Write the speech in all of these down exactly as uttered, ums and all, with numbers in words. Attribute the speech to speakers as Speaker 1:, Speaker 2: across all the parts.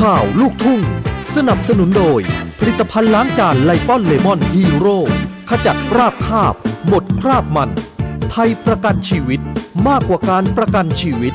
Speaker 1: ข่าวลูกทุ่งสนับสนุนโดยผลิตภัณฑ์ล้างจานไลปอนเลมอนฮีโร่ขจัดคราบคาบหมดคราบมันไทยประกันชีวิตมากกว่าการประกันชีวิต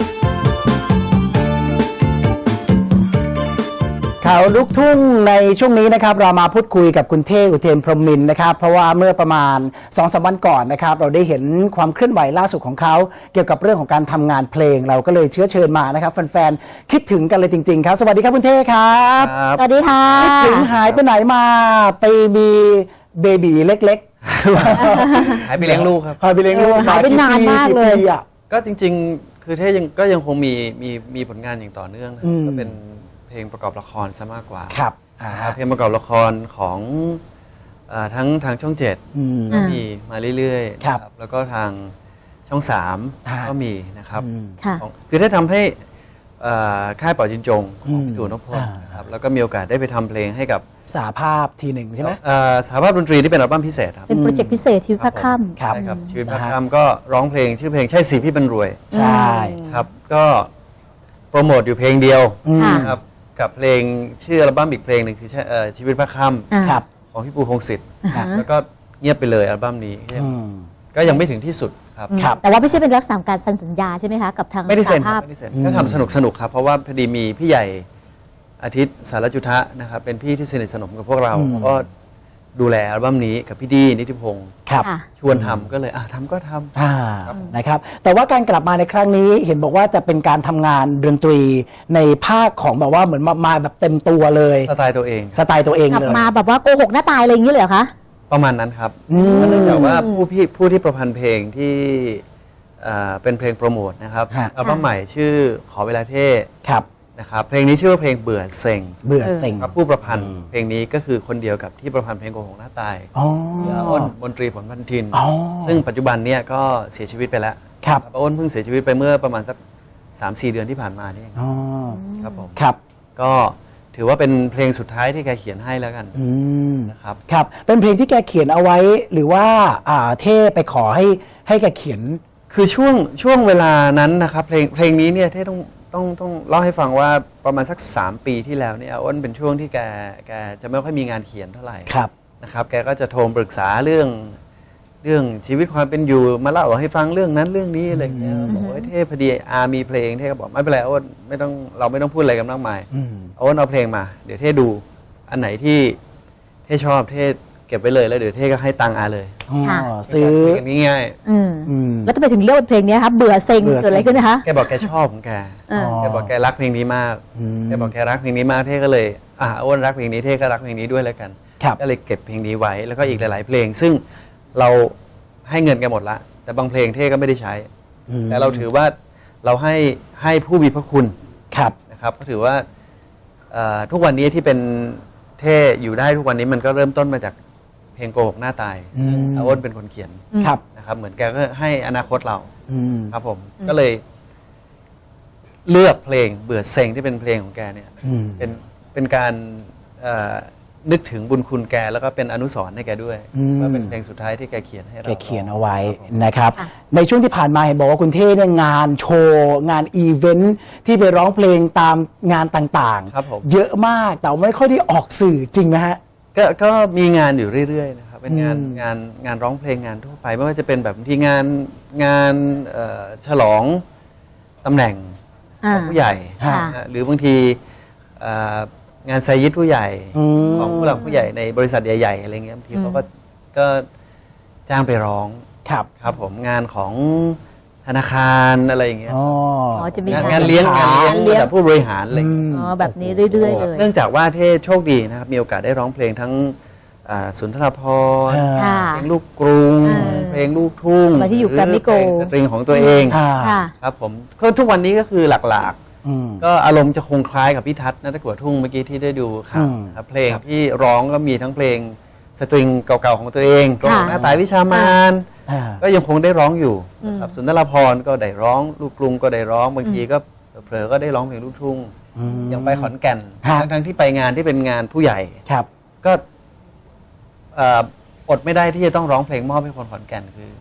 Speaker 2: ข่าวลูกทุ่งในช่วงนี้นะครับเรามาพูดคุยกับคุณเท่อุเทนพรหมินทร์นะครับเพราะว่าเมื่อประมาณ สองถึงสาม วันก่อนนะครับเราได้เห็นความเคลื่อนไหวล่าสุดของเขาเกี่ยวกับเรื่องของการทำงานเพลงเราก็เลยเชื้อเชิญมานะครับแฟนๆคิดถึงกันเลยจริงๆครับสวัสดีครับคุณเท่ครับ
Speaker 3: สวัสดีค่ะ
Speaker 2: คิดถึงหายไปไหนมาไปมีเบบีเล็กๆ
Speaker 4: หายไปเลี้ยงลูกครับ
Speaker 2: หายไปเลี้ยงลูก
Speaker 3: หายไปนานมากเลย
Speaker 4: ก็จริงๆคือเท่ยังก็ยังคงมีมีมีผลงานอย่างต่อเนื่องก็เป็นเพลงประกอบละครซะมากกว่า
Speaker 2: ครับ
Speaker 4: เพลงประกอบละครของทั้งทางช่องเจ็ดก็มีมาเรื่อยๆแล้วก็ทางช่องสามก็มีนะครับคือได้ทำให้ค่ายเป่าจินจงของพี่ตู่นพพลนะครับแล้วก็มีโอกาสได้ไปทำเพลงให้กับ
Speaker 2: สหภาพทีหนึ่งใช่ไหม
Speaker 4: สหภาพดนตรีที่เป็นอัลบั้มพิเศษครับ
Speaker 3: เป็นโปรเจกต์พิเศษชีวิตพระค่ำ
Speaker 4: ใช่ครับชีวิตพระค่ำก็ร้องเพลงชื่อเพลงใช่สิพี่บรรรวย
Speaker 2: ใช่
Speaker 4: ครับก็โปรโมทอยู่เพลงเดียวนะครับกับเพลงชื่ออัลบั้มอีกเพลงหนึ่งคือชีวิตพระค่ำของพี่ปูพงษ์สิทธิ์แล้วก็เงียบไปเลยอัลบั้มนี้ก็ยังไม่ถึงที่สุดครับ
Speaker 3: แต่ว่าไม่ใช่เป็นรักษาการเซ็นสัญญาใช่ไหมคะกับทาง
Speaker 4: ไม่ได้เซ็นไม่ได้เซ็นก็ทำสนุกสนุกครับเพราะว่าพอดีมีพี่ใหญ่อาทิตย์สารจุทะนะครับเป็นพี่ที่สนิทสนมกับพวกเราก็ดูแลอัลบั้มนี้กับพี่ดีนิติพงศ์ชวนทำก็เลยอ่ะทำก็ท
Speaker 2: ำนะครับแต่ว่าการกลับมาในครั้งนี้เห็นบอกว่าจะเป็นการทำงานดนตรีในภาคของแบบว่าเหมือนมาแบบเต็มตัวเลย
Speaker 4: สไตล์ตัวเอง
Speaker 2: สไตล์ตัวเอง
Speaker 3: เลยกลับมาแบบว่าโกหกหน้าตายอะไรอย่างนี้เลยเหรอคะ
Speaker 4: ประมาณนั้นครับเนื่องจากว่าผู้พี่ผู้ที่ประพันธ์เพลงที่เป็นเพลงโปรโมทนะครับอัลบั้มใหม่ชื่อขอเวลาเท่นะครับเพลงนี้ชื่อว่าเพลงเบื่อเซ็ง
Speaker 2: เบื่อเซ็ง
Speaker 4: ครับผู้ประพันธ์เพลงนี้ก็คือคนเดียวกับที่ประพันธ์เพลงโกหกหน้าตายอ้นมนตรีผลพันธินซึ่งปัจจุบันเนี่ยก็เสียชีวิตไปแล้ว
Speaker 2: ครับ
Speaker 4: อ้นเพิ่งเสียชีวิตไปเมื่อประมาณสัก สามสี่ เดือนที่ผ่านมานี่เองครับผม
Speaker 2: ครับ
Speaker 4: ก็ถือว่าเป็นเพลงสุดท้ายที่แกเขียนให้แล้วกันนะครับ
Speaker 2: ครับเป็นเพลงที่แกเขียนเอาไว้หรือว่าเท่ไปขอให้ให้แกเขียน
Speaker 4: คือช่วงช่วงเวลานั้นนะครับเพลงเพลงนี้เนี่ยเท่ต้องต้องต้องเล่าให้ฟังว่าประมาณสักสามปีที่แล้วเนี่ยอ้นเป็นช่วงที่แกแกจะไม่ค่อยมีงานเขียนเท่าไหร่นะครับแกก็จะโทรปรึกษาเรื่องเรื่องชีวิตความเป็นอยู่มาเล่าให้ฟังเรื่องนั้นเรื่องนี้อะไรอย่างเงี้ยบอกว่าเท่พอดีอามีเพลงเท่ก็บอกไม่เป็นไรอ้นไม่ต้องเราไม่ต้องพูดอะไรกันมากมายอ้นเอาเพลงมาเดี๋ยวเท่ดูอันไหนที่เท่ชอบเท่เก็บไว้เลยแล้วเดี๋ยวเท่ก็ให้ตังอาเลย
Speaker 2: ซื้อ
Speaker 4: ง่าย
Speaker 3: ๆแล้วทำไมถึงเลือกเพลงนี้ครับเบื่อเซ็งเกิดอะไรขึ้นนะคะ
Speaker 4: แกบอกแกชอบของแกแกบอกแกรักเพลงนี้มากแกบอกแกรักเพลงนี้มากเท่ก็เลยอ่าอ้นรักเพลงนี้เท่ก็รักเพลงนี้ด้วยแล้วกันก็เลยเก็บเพลงนี้ไว้แล้วก็อีกหลายๆเพลงซึ่งเราให้เงินแกหมดละแต่บางเพลงเท่ก็ไม่ได้ใช้แต่เราถือว่าเราให้ให้ผู้มีพระคุณนะครับก็ถือว่าทุกวันนี้ที่เป็นเท่อยู่ได้ทุกวันนี้มันก็เริ่มต้นมาจากเพลงโกหกหน้าตายซึ่งอ้นเป็นคนเขียนนะครับเหมือนแกก็ให้อนาคตเราครับผมก็เลยเลือกเพลงเบื่อเซ็งที่เป็นเพลงของแกเนี่ยเป็นเป็นการนึกถึงบุญคุณแกแล้วก็เป็นอนุสรณ์ให้แกด้วยว่าเป็นเพลงสุดท้ายที่แกเขียนให้เรา
Speaker 2: แกเขียนเอาไว้นะครับในช่วงที่ผ่านมาเห็นบอกว่าคุณเท่เนี่ยงานโชว์งานอีเวนท์ที่ไปร้องเพลงตามงานต่างๆเยอะมากแต่ไม่ค่อยได้ออกสื่อจริงไหมฮะ
Speaker 4: ก็ก็มีงานอยู่เรื่อยๆนะครับเป็นงานงานงานร้องเพลงงานทั่วไปไม่ว่าจะเป็นแบบที่งานงานฉลองตำแหน่งของผู้ใหญ่หรือบางทีงานไซยิตผู้ใหญ่ของผู้หลักผู้ใหญ่ในบริษัทใหญ่ๆอะไรเงี้ยบางทีเขาก็ก็จ้างไปร้อง
Speaker 2: ครับ
Speaker 4: ครับผมงานของธนาคารอะไรอย่างเงี้ย
Speaker 3: จะมี
Speaker 4: งานเลี้ยงงานเลี้ยงแบบผู้บริหารอะไร
Speaker 3: อ๋อแบบนี้เรื่อยๆเลย
Speaker 4: เนื่องจากว่าเท่โชคดีนะครับมีโอกาสได้ร้องเพลงทั้งสุนทรภรณ์เพลงลูกกรุงเพลงลูกทุ่ง
Speaker 3: ที่อยู่แกรมมี่โกลด์
Speaker 4: เพลงของตัวเองครับผมก็ทุกวันนี้ก็คือหลักๆก็อารมณ์จะคงคล้ายกับพี่ทัศน์นัตตะกั่วทุ่งเมื่อกี้ที่ได้ดูครับเพลงที่ร้องก็มีทั้งเพลงสตริงเก่าๆของตัวเองโกหกหน้าตายวิชามานก็ยังคงได้ร้องอยู่ครับสุนทรภรณ์ก็ได้ร้องลูกกรุงก็ได้ร้องบางทีก็เผลอก็ได้ร้องเพลงลูกทุ่งยังไปขอนแก่นทั้งที่ไปงานที่เป็นงานผู้ใหญ่ก็อดไม่ได้ที่จะต้องร้องเพลงมอบให้คนขอนแก่นคือ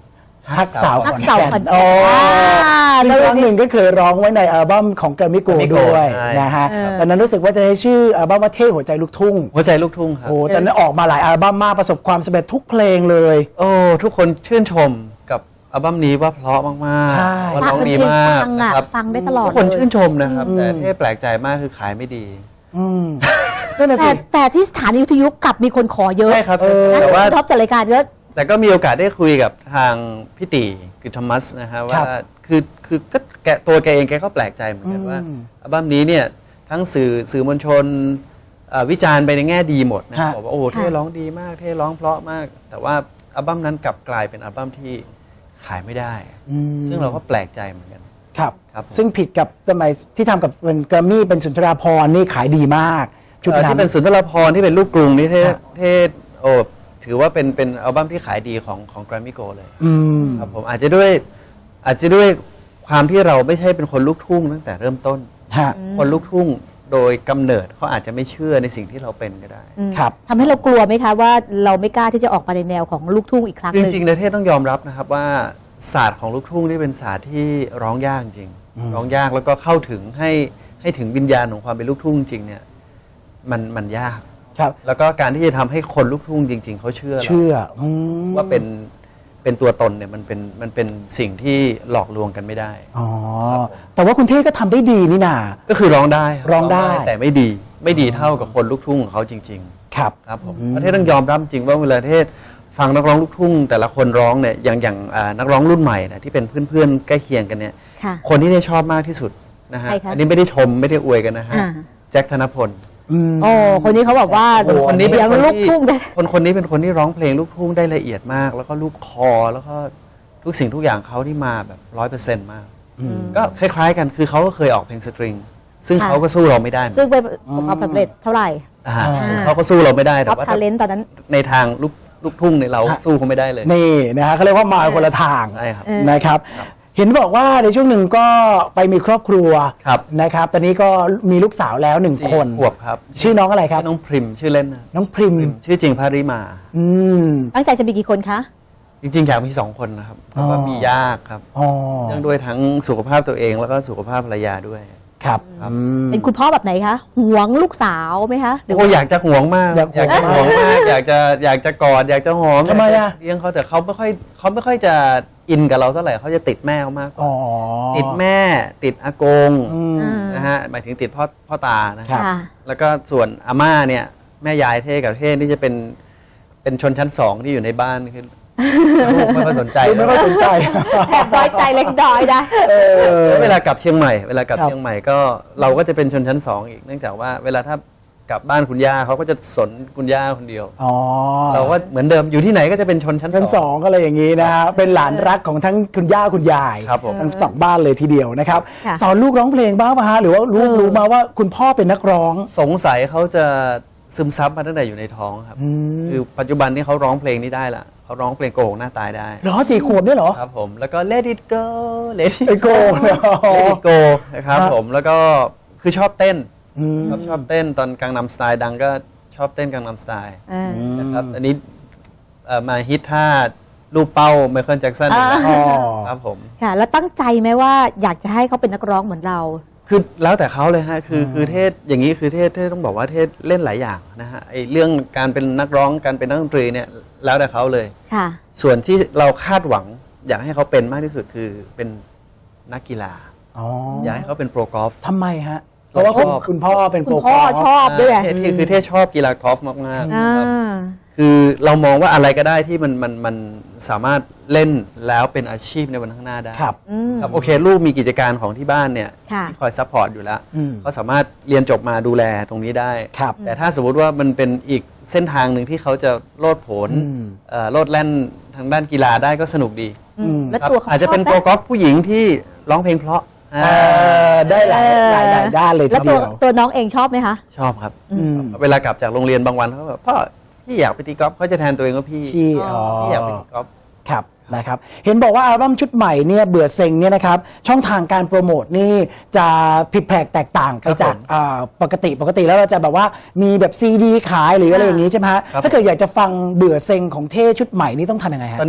Speaker 2: ฮักสาว
Speaker 3: ฮัก
Speaker 2: ข
Speaker 3: สาว
Speaker 2: อน
Speaker 3: ขอน
Speaker 2: แก่น
Speaker 3: แก่น
Speaker 2: โอ้
Speaker 3: อ่า
Speaker 2: ซึ่งครั้งหนึ่งก็เคยร้องไว้ในอัลบั้มของแกรมมี่โกล
Speaker 4: Grammy
Speaker 2: ด์
Speaker 4: Gold
Speaker 2: ด้วย
Speaker 4: ใช่
Speaker 2: นะฮะ
Speaker 3: เออ
Speaker 2: ตอนนั้นรู้สึกว่าจะให้ชื่ออัลบั้มว่าเท่หัวใจลูกทุ่ง
Speaker 4: หัวใจลูกทุ่งครับ
Speaker 2: โอ้ตอนนั้นออกมาหลายอัลบั้มมากประสบความสำเร็จทุกเพลงเลย
Speaker 4: โอ้ทุกคนชื่นชมกับอัลบั้มนี้ว่าเพราะมากๆ
Speaker 2: ใช่
Speaker 4: ว่าร้องดีมาก
Speaker 3: ฟัง
Speaker 4: นะ
Speaker 3: อ่ะ
Speaker 4: ครับ
Speaker 3: ฟังได้ตลอด
Speaker 4: ทุกคน
Speaker 3: เลย
Speaker 4: ชื่นชมนะครับ
Speaker 2: อืม
Speaker 4: แต่ที่แปลกใจมากคือขายไม่ดี
Speaker 2: อืมนั่นน่ะ
Speaker 3: แต่
Speaker 2: สิ
Speaker 3: แต่ที่สถานีวิทยุกลับมีคนขอเยอะ
Speaker 4: ใช่ครับ
Speaker 2: เออ
Speaker 3: นะ
Speaker 4: แต่ว่า
Speaker 3: ท็อปจัดรายการก็
Speaker 4: แต่ก็มีโอกาสได้คุยกับทางพี่ตีคือทอมัสนะฮะว่าคือคือก็แกตัวแกเองแกก็แปลกใจเหมือนกันว่า
Speaker 2: อืม
Speaker 4: อัลบั้มนี้เนี่ยทั้งสื่อสื่อมวลชนเอ่อวิจารณ์ไปในแง่ดีหมดนะ
Speaker 2: ฮะ
Speaker 4: บอกว่าโอ้โหเท่ร้องดีมากเท่ร้องเพราะมาก แต่ว่าอัลบั้มนั้นกลับกลายเป็นอัลบั้มที่ขายไม่ได้
Speaker 2: อืม
Speaker 4: ซึ่งเราก็แปลกใจเหมือนกัน
Speaker 2: ครับ
Speaker 4: ครับผม
Speaker 2: ซึ่งผิดกับสมัยที่ทำกับเป็นแกรมมี่เป็นสุนทราภรณ์นี่ขายดีมากชุด
Speaker 4: เอ่อ
Speaker 2: นั้
Speaker 4: ที่
Speaker 2: น
Speaker 4: เป็นสุนทรภรณ์ที่เป็นลูกกรุงนี่เท่
Speaker 2: ฮะ
Speaker 4: เท่โอ้ถือว่าเป็นเป็นอัลบั้มที่ขายดีของของแกรมมี่โกเลย
Speaker 2: อืม
Speaker 4: ครับผมอาจจะด้วยอาจจะด้วยความที่เราไม่ใช่เป็นคนลูกทุ่งตั้งแต่เริ่มต้น
Speaker 2: ฮะ
Speaker 4: คนลูกทุ่งโดยกำเนิดเขาอาจจะไม่เชื่อในสิ่งที่เราเป็นก็ได้
Speaker 3: อืม
Speaker 2: ครับ
Speaker 3: ทำให้เรากลัวไหมคะว่าเราไม่กล้าที่จะออกมาในแนวของลูกทุ่งอีกครั้งห
Speaker 4: จ
Speaker 3: นึ่ง
Speaker 4: ริงๆในเทศต้องยอมรับนะครับว่าศาสตร์ของลูกทุ่งนี่เป็นศาสตร์ที่ร้องยากจริง
Speaker 2: อืม
Speaker 4: ร้องยากแล้วก็เข้าถึงให้ให้ถึงวิญญาณของความเป็นลูกทุ่งจริงเนี่ยมันมันยาก
Speaker 2: ครับ
Speaker 4: แล้วก็การที่จะทำให้คนลูกทุ่งจริง ๆเขาเชื่อเรา
Speaker 2: เชื่ออืม
Speaker 4: ว่าเป็นเป็นตัวตนเนี่ยมันเป็นมันเป็นสิ่งที่หลอกลวงกันไม่ได้
Speaker 2: อ๋อ แต่ว่าคุณเท่ก็ทำได้ดีนี่นา
Speaker 4: ก็คือร้องได้คบ
Speaker 2: ร้องได้
Speaker 4: แต่ไม่ดีไม่ดีเท่ากับคนลูกทุ่งของเขาจริง
Speaker 2: ครับ
Speaker 4: ๆ ครับผม
Speaker 2: อืม
Speaker 4: ประเทศต้องยอมรับจริงว่าเวลาประเทศฟังนักร้องลูกทุ่ง แต่ละคนร้องเนี่ยอย่างอย่างอ่านักร้องรุ่นใหม่นะที่เป็นเพื่อนๆใกล้เคียงกันเนี่ย
Speaker 3: ค่ะ
Speaker 4: คนที่ได้ชอบมากที่สุดนะฮะ
Speaker 3: ใครคะ
Speaker 4: อันนี้ไม่ได้ชมไม่ได้อวยกันนะฮะ
Speaker 3: อ่า
Speaker 4: แจ็คธนพล
Speaker 2: อืม
Speaker 3: โอ้คนนี้เขาบอกว่า
Speaker 2: โอ้โห
Speaker 4: คนนี้เป็น
Speaker 3: เสียง
Speaker 4: คน
Speaker 3: ลูก
Speaker 4: ที่
Speaker 3: ทุ่งได้
Speaker 4: คนคนนี้เป็นคนที่ร้องเพลงลูกทุ่งได้ละเอียดมาก แล้วก็ลูกคอแล้วก็ทุกสิ่งทุกอย่างเขาที่มาแบบร้อยเปอร์เซ็นต์มาก
Speaker 2: อืม
Speaker 4: ก็คล้ายๆกันคือเขาก็เคยออกเพลงสตริง ซึ่ง
Speaker 3: ค่ะ
Speaker 4: เขาก็สู้เราไม่ได้เหมือน
Speaker 3: ซึ่
Speaker 4: กั
Speaker 3: ง
Speaker 4: น
Speaker 3: ไปประสบความสำเร็จเท่าไหร่
Speaker 4: อ่า
Speaker 2: อ่า
Speaker 4: เขาก็สู้เราไม่ได้แต่
Speaker 3: ท็อป
Speaker 4: ว่า
Speaker 3: ทาเลนต์ตอนนั้น
Speaker 4: ในทางลูกลูกทุ่งเนี่ยเราสู้เขาไม่ได้เลย
Speaker 2: นี่นะฮะเขาเรียกว่ามาคนละทาง
Speaker 4: ใช่ครับ
Speaker 3: เออ
Speaker 2: นะครับ เห็นบอกว่าในช่วงหนึ่งก็ไปมีครอบครัว
Speaker 4: ครับ
Speaker 2: นะครับ ตอนนี้ก็มีลูกสาวแล้วหนึ่ง
Speaker 4: สี่
Speaker 2: คน
Speaker 4: ขวบครับ
Speaker 2: ชื่อน้องอะไรครับ
Speaker 4: ชื่อน้องพริมชื่อเล่นนะ
Speaker 2: น้องพริม
Speaker 4: พริมชื่อจริงพาริมา
Speaker 2: อืม
Speaker 3: ตั้งใจจะมีกี่คนคะ
Speaker 4: จริงๆอยากมีสองคนนะครับแต่ว่า
Speaker 2: อ๋อ
Speaker 4: มียากครับ
Speaker 2: อ๋อ
Speaker 4: เนื่องด้วยทั้งสุขภาพตัวเองแล้วก็สุขภาพภรรยาด้วย
Speaker 2: ครับ
Speaker 4: ครับ
Speaker 2: อืม
Speaker 3: เป็นคุณพ่อแบบไหนคะหวงลูกสาวไหมคะหรือ
Speaker 4: โอ้
Speaker 3: ว่า
Speaker 4: อยากจะห่วงมาก
Speaker 2: อยากห่วง
Speaker 4: จะห่วงมาก อยากจะอยากจะกอดอยากจะหอม
Speaker 2: ทำไมอะ
Speaker 4: เลี้ยงเขาแต่เขาไม่ค่อยเขาไม่ค่อยจะอินกับเราเท่าไหร่เขาจะติดแม่เขามากกว่า
Speaker 2: อ๋อ
Speaker 4: ติดแม่ติดอากง
Speaker 2: อืม
Speaker 3: อ่า
Speaker 4: นะฮะหมายถึงติดพ่อพ่อตานะ
Speaker 2: ครั
Speaker 4: ฮะ
Speaker 2: บ
Speaker 3: ค่ะ
Speaker 4: แล้วก็ส่วนอาม่าเนี่ยแม่ยายเท่กับเท่นี่จะเป็นเป็นชนชั้นสองที่อยู่ในบ้านคือลูกไม่ค่อยสนใจ
Speaker 2: ดูไม่ค่อยสนใจ
Speaker 3: แอบน้อยใจเล็กน้อยนะ
Speaker 2: เออ
Speaker 4: แล้วเวลากลับเชียงใหม่เวลากลับ
Speaker 2: ครับ
Speaker 4: เชียงใหม่ก็เราก็จะเป็นชนชั้นสองอีกเนื่องจากว่าเวลาถ้ากลับบ้านคุณย่าเขาก็จะสนคุณย่าคนเดียว
Speaker 2: อ๋อ
Speaker 4: เราก็เหมือนเดิมอยู่ที่ไหนก็จะเป็นชนชั้น
Speaker 2: ชั้น
Speaker 4: ส
Speaker 2: ส
Speaker 4: อ
Speaker 2: อง งก็เลยอย่างนี้นะฮะเป็นหลานรักของทั้งคุณย่าคุณยาย
Speaker 4: ครับผม
Speaker 2: ทั้งสองบ้านเลยทีเดียวนะครับ
Speaker 3: ค่ะ
Speaker 2: สอนลูกร้องเพลงบ้างป่ะฮะหรือว่าลูก
Speaker 3: เออ
Speaker 2: รู้มาว่าคุณพ่อเป็นนักร้อง
Speaker 4: สงสัยเขาจะซึมซับมาตั้งแต่อยู่ในท้องครับ
Speaker 2: อืม
Speaker 4: คือปัจจุบันนี้เขาร้องเพลงนี้ได้ละเขาร้องเพลงโกหกหน้าตายได้
Speaker 2: เหรอสี่ขวบด้วยเหรอ
Speaker 4: ครับผมแล้วก็ Let it go Let it
Speaker 2: ไอโก้เนอะ
Speaker 4: Let it go นะครับ
Speaker 2: ครับ
Speaker 4: ผมแล้วก็คือชอบเต้น
Speaker 2: อืม
Speaker 4: ชอบชอบเต้นตอนกังนำสไตล์ดังก็ชอบเต้นกังนำสไตล์
Speaker 3: อ่า
Speaker 4: นะครับอันนี้เอ่อมาฮิตท่าลูกเป้าไมเคิลแจ็คสัน
Speaker 3: อ่า
Speaker 2: อ๋อ
Speaker 4: ครับผม
Speaker 3: ค่ะ แล้วตั้งใจไหมว่าอยากจะให้เขาเป็นนักร้องเหมือนเรา
Speaker 4: คือแล้วแต่เขาเลยฮะคือคือเทศอย่างนี้คือเทศเทศต้องบอกว่าเทศเล่นหลายอย่างนะฮะไอเรื่องการเป็นนักร้องการเป็นนักดนตรีเนี่ยแล้วแต่เขาเลย
Speaker 3: ค่ะ
Speaker 4: ส่วนที่เราคาดหวังอยากให้เขาเป็นมากที่สุดคือเป็นนักกีฬา
Speaker 2: อ๋อ
Speaker 4: อยากให้เขาเป็นโปรกอล์ฟ
Speaker 2: ทำไมฮะ เพราะว่าคุณ
Speaker 4: ชอบ
Speaker 2: คุณพ่อเป็น
Speaker 3: คุ
Speaker 2: โปร
Speaker 3: ณพ่อก
Speaker 2: อล์ฟ
Speaker 3: ชอบด้วย
Speaker 4: เทศที่คือเทศชอบกีฬากอล์ฟมากๆ
Speaker 3: อ่า
Speaker 4: ครับคือเรามองว่าอะไรก็ได้ที่มันมันมันสามารถเล่นแล้วเป็นอาชีพในวันข้างหน้าได้
Speaker 2: ครับ
Speaker 3: อืม
Speaker 4: ครับโอเคลูกมีกิจการของที่บ้านเนี่ย
Speaker 3: ค่ะ
Speaker 4: ที่คอยซัพพอร์ตอยู่แล้ว
Speaker 2: อืม
Speaker 4: เขาสามารถเรียนจบมาดูแลตรงนี้ได้
Speaker 2: ครับ
Speaker 4: แต่ถ้าสมมุติว่ามันเป็นอีกเส้นทางหนึ่งที่เขาจะโลดโผน
Speaker 2: อืม
Speaker 4: เอ่อโลดแล่นทางด้านกีฬาได้ก็สนุกดี
Speaker 3: อืม
Speaker 2: อืม
Speaker 3: แล้ว
Speaker 4: ครับ
Speaker 3: ตัวเขา
Speaker 4: อาจจะเป็น
Speaker 3: ช
Speaker 4: โป
Speaker 3: บ
Speaker 4: ร
Speaker 3: ไหม
Speaker 4: กอล์ฟผู้หญิงที่ร้องเพลงเพราะ
Speaker 2: เออได้หลายหลายหลายด้านเลยที
Speaker 3: แล้วตั
Speaker 2: เดี
Speaker 3: ว
Speaker 2: ยว
Speaker 3: ตัวน้องเองชอบไหมคะ
Speaker 4: ชอบครับ
Speaker 2: อืม
Speaker 4: เวลากลับจากโรงเรียนบางวันเขาแบบพ่อพี่อยากไปตีกอล์ฟเขาจะแทนตัวเองว่าพี่
Speaker 2: พี่อ๋อ
Speaker 4: พี่อยากไปตีกอล์ฟ
Speaker 2: ครับนะครับเห็นบอกว่าอัลบั้มชุดใหม่เนี่ยเบื่อเซ็งเนี่ยนะครับช่องทางการโปรโมทนี่จะผิดแผกแตกต่างไปจาก
Speaker 4: ครับผม
Speaker 2: อ่าปกติปกติแล้วเราจะแบบว่ามีแบบซีดีขายหรืออะไรอย่างนี้ใช่ไหมฮะ
Speaker 4: ครับ
Speaker 2: ถ้าเกิดอยากจะฟังเบื่อเซ็งของเท่ชุดใหม่นี่ต้องทำยังไงฮะ
Speaker 4: ตอนนี้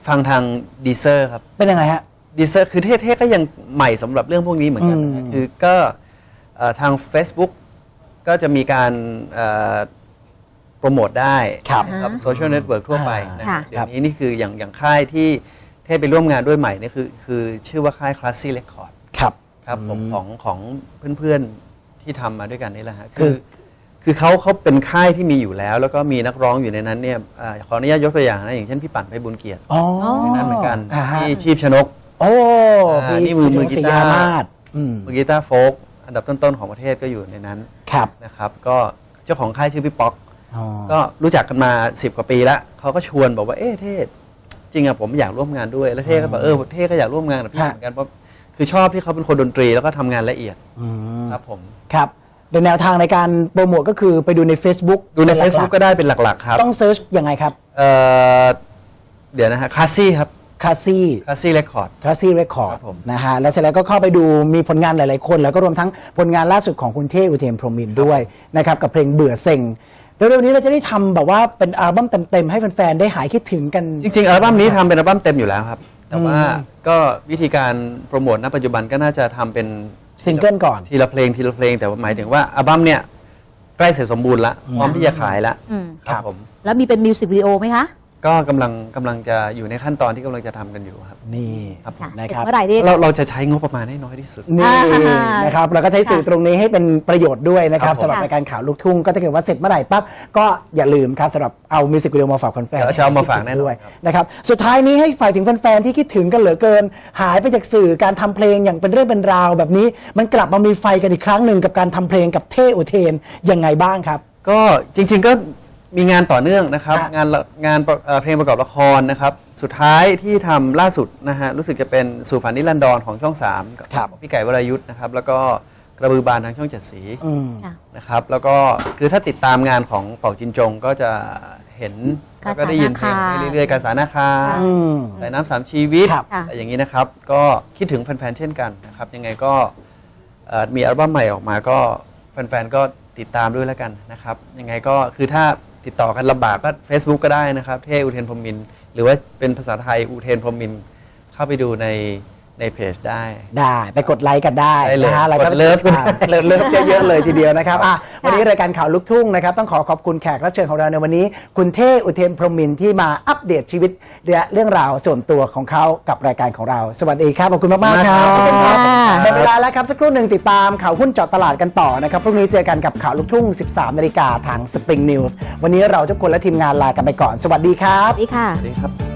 Speaker 4: ฟังทางดีเซอร์ครับ
Speaker 2: เป็นยังไงฮะ
Speaker 4: ดีเซอร์คือเท่ๆก็ยังใหม่สำหรับเรื่องพวกนี้เหมือนกัน
Speaker 2: อืม
Speaker 4: คือก็เอ่อทาง Facebook ก็จะมีการเอ่อโปรโมทได้
Speaker 2: ครับ
Speaker 4: กับโซเชียลเน็ตเวิร์กทั่วไปนะ
Speaker 3: ค่ะ
Speaker 4: เดี๋ยวนี้นี่คืออย่างอย่างค่ายที่เท่ไปร่วมงานด้วยใหม่นี่คือคือชื่อว่าค่าย Classy Record
Speaker 2: ครับ
Speaker 4: ครับผม
Speaker 2: อืม
Speaker 4: ของของเพื่อนๆที่ทำมาด้วยกันนี่แหละฮะ
Speaker 2: คื
Speaker 4: คือ อคือเขาเขาเป็นค่ายที่มีอยู่แล้ว แล้วก็มีนักร้องอยู่ในนั้นเนี่ยอ่าขออนุญาตยกตัวอย่างนะอย่างเช่นพี่ปั่นไพบุญเกียรติ
Speaker 2: อ๋อ
Speaker 4: นั่นเหมือนกัน
Speaker 2: อ่าฮะ
Speaker 4: ที่ชีพชนก
Speaker 2: โอ้
Speaker 4: อ่า
Speaker 2: พี่
Speaker 4: นี่มือมือกี
Speaker 2: ศรี
Speaker 4: ตาร์
Speaker 2: ยามาศอืม
Speaker 4: มือกีตาร์โฟกอันดับต้นๆของประเทศก็อยู่ในนั้น
Speaker 2: ครับ
Speaker 4: นะครับก็เจ้าของค่ายชื่อพี่ป๊อก
Speaker 2: อ๋อ
Speaker 4: ก็รู้จักกันมาสิบกว่าปีแล้วเขาก็ชวนบอกว่าเอ๊ะเท่จริงอะผมอยากร่วมงานด้วยแล้วเท่ก็บอกเออเท่ก็อยากร่วมงานกับพี่
Speaker 2: ฮะ
Speaker 4: เหมือนกันเพราะคือชอบที่เขาเป็นคนดนตรีแล้วก็ทำงานละเอียด
Speaker 2: อืม
Speaker 4: ครับผม
Speaker 2: ครับโดยแนวทางในการโปรโมทก็คือไปดูใน Facebook
Speaker 4: ดูใน
Speaker 2: เป็นหลักๆ
Speaker 4: Facebook ก็ได้เป็นหลักๆครับ
Speaker 2: ต้องเซิร์ชยังไงครับ
Speaker 4: เอ่อเดี๋ยวนะฮะคลาสซี่ครับ
Speaker 2: คลาสซี่
Speaker 4: คลาสซี่เรคคอร์ด
Speaker 2: คลาสซี่เรคคอร์
Speaker 4: ค
Speaker 2: ด
Speaker 4: รับผม
Speaker 2: นะฮะแล้วเสร็จแล้วก็เข้าไปดูมีผลงานหลาย ๆ คน แล้วก็รวมทั้งผลงานล่าสุดของคุณเท่อุเทนพรหมินทร์ด้วยนะครับกับเพลงเบื่อเซ็งเร็วๆนี้เราจะได้ทำแบบว่าเป็นอัลบั้มเต็ม ๆ ให้แฟน ๆ ได้หายคิดถึงกัน
Speaker 4: จริงๆอัลบั้มนี้ทำเป็นอัลบั้มเต็มอยู่แล้วครับ แต่ว่า
Speaker 2: อืม
Speaker 4: ก็วิธีการโปรโมทณปัจจุบันก็น่าจะทำเป็น
Speaker 2: ซิงเกิลก่อน
Speaker 4: ทีละเพลงทีละเพลงแต่ว่าหมายถึงว่าอัลบั้มเนี่ยใกล้เสร็จสมบูรณ์ละพร้อมที่จะขายละ
Speaker 3: อืม
Speaker 4: ครับผม
Speaker 3: แล้วมีเป็นมิวสิกวิดีโอไหมคะ
Speaker 4: ก็กำลังกำลังจะอยู่ในขั้นตอนที่กำลังจะทำกันอยู่ครับ
Speaker 2: นี่
Speaker 4: ครับผม
Speaker 3: ค่ะ
Speaker 2: นะครับ
Speaker 3: เมื่อไหร่ดี
Speaker 4: เราเราจะใช้งบประมาณให้น้อยที่สุด
Speaker 2: นี่
Speaker 3: อ่า
Speaker 2: นะครับเราก็ใช้สื่อตรงนี้ให้เป็นประโยชน์ด้วยนะครับ
Speaker 4: ครับผม
Speaker 2: สำหรับรายการข่าวลูกทุ่งก็ถ้าเกิดว่าเสร็จเมื่อไหร่ปั๊บก็อย่าลืมครับสำหรับเอามิวสิกวิดีโอมาฝากแฟน
Speaker 4: เดี๋ยวจะเอามาฝากแน่นอน
Speaker 2: ด้วย
Speaker 4: ครับ
Speaker 2: นะครับสุดท้ายนี้ให้ฝ่ายถึงแฟนๆที่คิดถึงกันเหลือเกิน หายไปจากสื่อการทำเพลงอย่างเป็นเรื่องเป็นราวแบบนี้ มันกลับมามีไฟกันอีกครั้งหนึ่งกับการทำเพลงกับเท่อุเทนยังไงบ้างครับ
Speaker 4: ก็จริงๆก็มีงานต่อเนื่องนะครับ
Speaker 2: ฮะ
Speaker 4: งานละงานเอ่อเพลงประกอบละครนะครับ สุดท้ายที่ทำล่าสุดนะฮะรู้สึกจะเป็นสู่ฝันนิรันดรของช่องสามกับ
Speaker 2: ครับ
Speaker 4: พี่ไก่วรายุทธ์นะครับแล้วก็กระบือบานทางช่องเจ็ดสี
Speaker 2: อืม
Speaker 3: ค่ะ
Speaker 4: นะครับแล้วก็คือถ้าติดตามงานของเป่าจินจงก็จะเห็น
Speaker 3: กา
Speaker 4: แล้วก็ได้ยินเพลง
Speaker 3: สานาคา
Speaker 4: ไปเรื่อยๆกาสานาคา
Speaker 2: อืม
Speaker 4: สายน้ำสามชีวิต
Speaker 2: ครับ
Speaker 4: อะไรอย่างนี้นะครับก็คิดถึงแฟนๆเช่นกันนะครับยังไงก็เอ่อมีอัลบั้มใหม่ออกมาก็แฟนๆก็ติดตามด้วยแล้วกันนะครับยังไงก็คือถ้าติดต่อกันลำบากก็ Facebook ก็ได้นะครับเท่อุเทนพรหมินทร์หรือว่าเป็นภาษาไทยอุเทนพรหมินทร์เข้าไปดูในในเพจได้
Speaker 2: ได้ไปกดไลค์กันได้
Speaker 4: ได้เลย
Speaker 2: นะฮะแล้วก็
Speaker 4: กดเลิฟก็ได้
Speaker 2: อ่าเลิฟเลิฟเยอะๆเลยทีเดียวนะครับอ่ะวันนี้รายการข่าวลูกทุ่งนะครับต้องขอขอบคุณแขกรับเชิญของเราในวันนี้ คุณเท่อุเทนพรหมินทร์ที่มาอัปเดตชีวิตและเรื่องราวส่วนตัวของเขากับรายการของเรา สวัสดีครับขอบคุณมากๆครับ
Speaker 4: ขอบคุณครับ
Speaker 2: หมดเวลาแล้วครับสักครู่หนึ่งติดตามข่าวหุ้นเจาะตลาดกันต่อนะครับพรุ่งนี้เจอกันกับข่าวลูกทุ่ง สิบสามนาฬิกาทาง Spring News วันนี้เราทุกคนและทีมงานลากันไปก่อนสวัสดีครับ
Speaker 3: สวัสดีค่ะ
Speaker 4: สวัสดีครับ